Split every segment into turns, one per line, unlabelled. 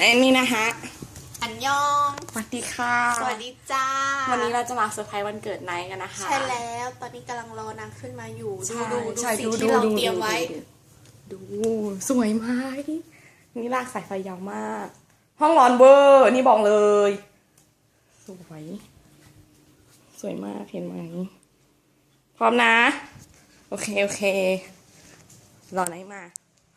อันนี้นะคะ
อันยอง
สวัสดีค่ะ
สวัสดีจ้า
วันนี้เราจะมาเซอร์ไพรส์วันเกิดไนท์กันนะคะ
ใช่แล้วตอนนี้กำลังรอนางขึ้นมาอยู่ ดู
ใช่
สิ่งที่เราเตรียมไว้
ดูสวยไหมนี่ลากสายไฟยาวมาก ห้องนอนเวอร์นี่บอกเลย สวยสวยมากเห็นไหมพร้อมนะ โอเครอไนท์มา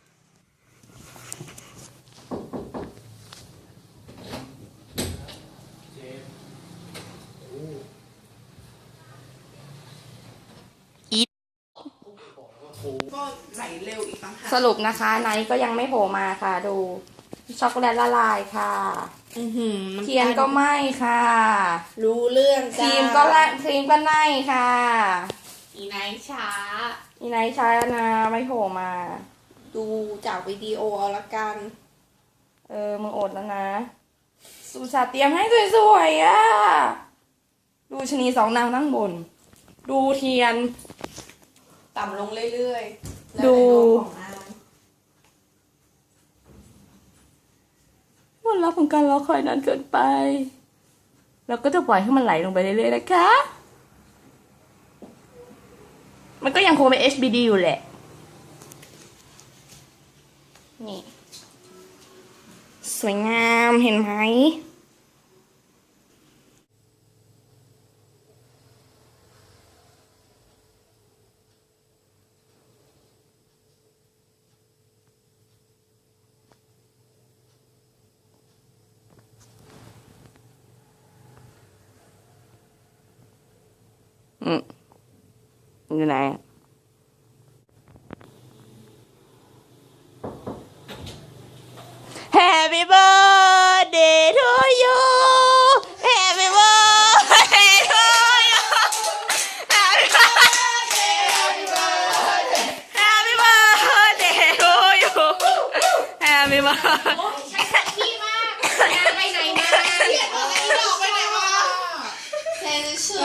ก็ไหลเร็วอีกต่างหาก
สรุปนะคะไนท์ก็ยังไม่โผล่มาค่ะ ดูช็อกโกแลตละลายค่ะเทียนก็ไหม้ค่ะ
รู้เรื่อง
ค
จ้า
รีมก็ไหม้ค่ะ
อีไนท์ช้า
อีไนท์ใช้แล้วนะไม่โผล่มา
ดูจากวิดีโอเอาละกัน
มึงอดแล้วนะสุชาเตรียมให้สวยๆอ่ะดูชะนีสองนางนั่งบน ดูเทียน
ต่ำลงเรื่อยๆ
ดู
แล้วแต่ดวงของนาง
วันรับของการรอคอยนานเกินไป แล้วก็จะปล่อยให้มันไหลลงไปเรื่อยๆนะคะ มันก็ยังคงเป็น HBD อยู่แหละ นี่ สวยงามเห็นไหม อยู่ไหน Happy birthday to you Happy birthday to you Happy birthday Happy birthday to you Happy birthday
พี่มากงานไปไหนมาเรียกอะไรดอกไปไหนมาเซนชู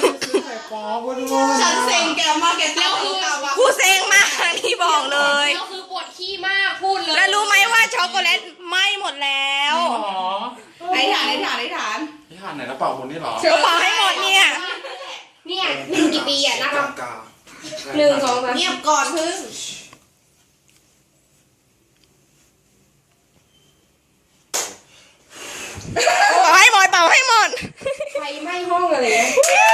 ฉันเซ็งแกมากแกเต้าหู้กับ
กูเซ็งมากที่บอกเลย
ก็คือปวดขี้มากพูดเลย
แล้วรู้ไหมว่าช็อกโกแลตไหม้หมดแล้ว
ในฐาน
นี่ผ่านไหนแล้วเป่าคนนี่หรอ
เดี๋ยวเป่าให้หมดเนี่ย
เนี่ยหนึ่งกี่ปีอะนะครับ
กา
หนึ่งสองสาม
เงียบก่อนพึ่ง
เป่าให้หมดเป่าให้หมด
ไฟไหม้ห้องอะไรเนี่ย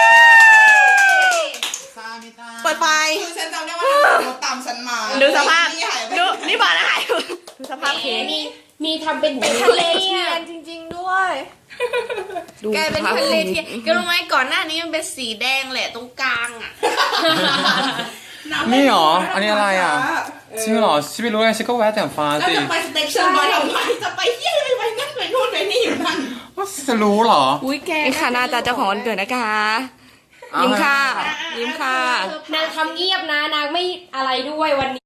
เปิดไฟ
คือฉันจำได้ว่าเธอตามฉันมา
ดูสภาพ
นี่หายไป
ดูนี่บอกนะหายดูสภาพเค้ก
มีทำเป็นทะเลเทียน
จริงๆด้วย
ดู
กลายเป็น
สภาพ
ทะเลเทียนแกรู้ไหมก่อนหน้านี้มันเป็นสีแดงแหละตรงกลางอ่ะ
นี่หรอ อันนี้อะไรอ่ะจริงหรอชิไม่รู้ไงชิก็แวะแต่ฟ้า
แล้ว
สิ
จะไปสเต็กชั่นบอยทำไมจะไปเที่ยวไปนั่นไปนู่นไปนี่อยู่นั่น
ว่าจะรู้หรอ
อุ้ยแกนี่ค่ะหน้าตาเจ้าของวันเกิดนะคะ ยิ้มค่ะ ยิ้มค่ะ
นางทำเงียบนะนางไม่อะไรด้วยวันนี้